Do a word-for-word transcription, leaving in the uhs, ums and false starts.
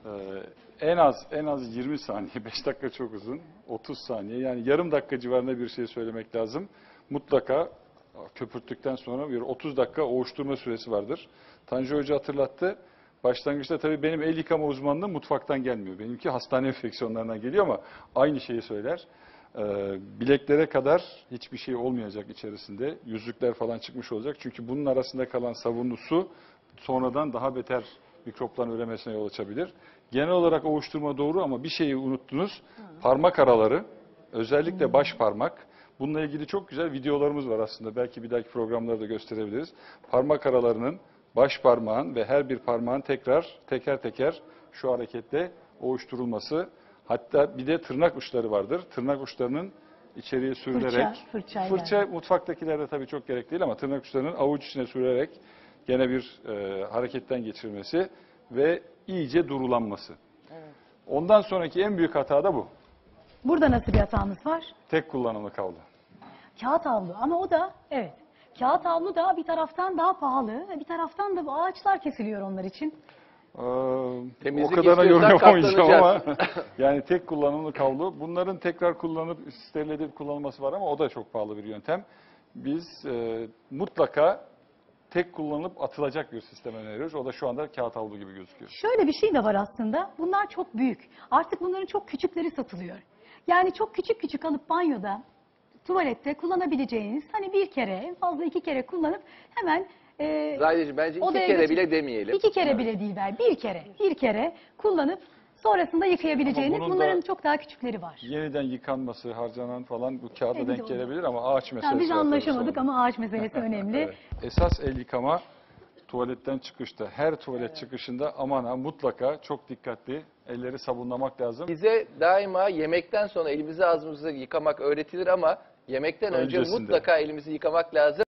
Ee, en az en az yirmi saniye, beş dakika çok uzun, otuz saniye, yani yarım dakika civarında bir şey söylemek lazım. Mutlaka köpürttükten sonra bir otuz dakika ovuşturma süresi vardır. Tanju Hoca hatırlattı. Başlangıçta tabii benim el yıkama uzmanlığım mutfaktan gelmiyor. Benimki hastane enfeksiyonlarından geliyor ama aynı şeyi söyler. Ee, bileklere kadar hiçbir şey olmayacak içerisinde. Yüzükler falan çıkmış olacak. Çünkü bunun arasında kalan sabunlu su sonradan daha beter mikropların üremesine yol açabilir. Genel olarak ovuşturma doğru ama bir şeyi unuttunuz. Parmak araları, özellikle baş parmak. Bununla ilgili çok güzel videolarımız var aslında. Belki bir dahaki programlarda gösterebiliriz. Parmak aralarının, baş parmağın ve her bir parmağın tekrar teker teker şu hareketle ovuşturulması. Hatta bir de tırnak uçları vardır. Tırnak uçlarının içeriye sürülerek, fırça, fırça yani. mutfaktakilerde tabii çok gerek değil ama tırnak uçlarının avuç içine sürerek gene bir e, hareketten geçirmesi ve iyice durulanması. Evet. Ondan sonraki en büyük hata da bu. Burada nasıl bir hatamız var? Tek kullanımlık havlu. Kağıt havlu ama o da evet. Kağıt havlu da bir taraftan daha pahalı, bir taraftan da bu ağaçlar kesiliyor onlar için. Ee, Temizlik o kadarına yorum istiyorsan yapamayacağım ama katlanacağız. yani tek kullanımlık havlu. Bunların tekrar kullanıp steril edip kullanılması var ama o da çok pahalı bir yöntem. Biz e, mutlaka tek kullanılıp atılacak bir sistem öneriyoruz. O da şu anda kağıt havlu gibi gözüküyor. Şöyle bir şey de var aslında. Bunlar çok büyük. Artık bunların çok küçükleri satılıyor. Yani çok küçük küçük alıp banyoda, tuvalette kullanabileceğiniz, hani bir kere, en fazla iki kere kullanıp hemen e, Zahideciğim bence iki odaya kere götür- bile demeyelim. İki kere bile değil ver, bir kere, bir kere kullanıp sonrasında yıkayabileceğiniz, Ama bunun bunların da çok daha küçükleri var. Yeniden yıkanması, harcanan falan bu kağıda E, bir de denk o. gelebilir ama ağaç meselesi Yani biz var tabii anlaşamadık sonra. ama ağaç meselesi önemli. Evet. Esas el yıkama tuvaletten çıkışta. Her tuvalet evet. çıkışında aman ha mutlaka çok dikkatli elleri sabunlamak lazım. Bize daima yemekten sonra elimizi ağzımızı yıkamak öğretilir ama yemekten önce Öncesinde. mutlaka elimizi yıkamak lazım.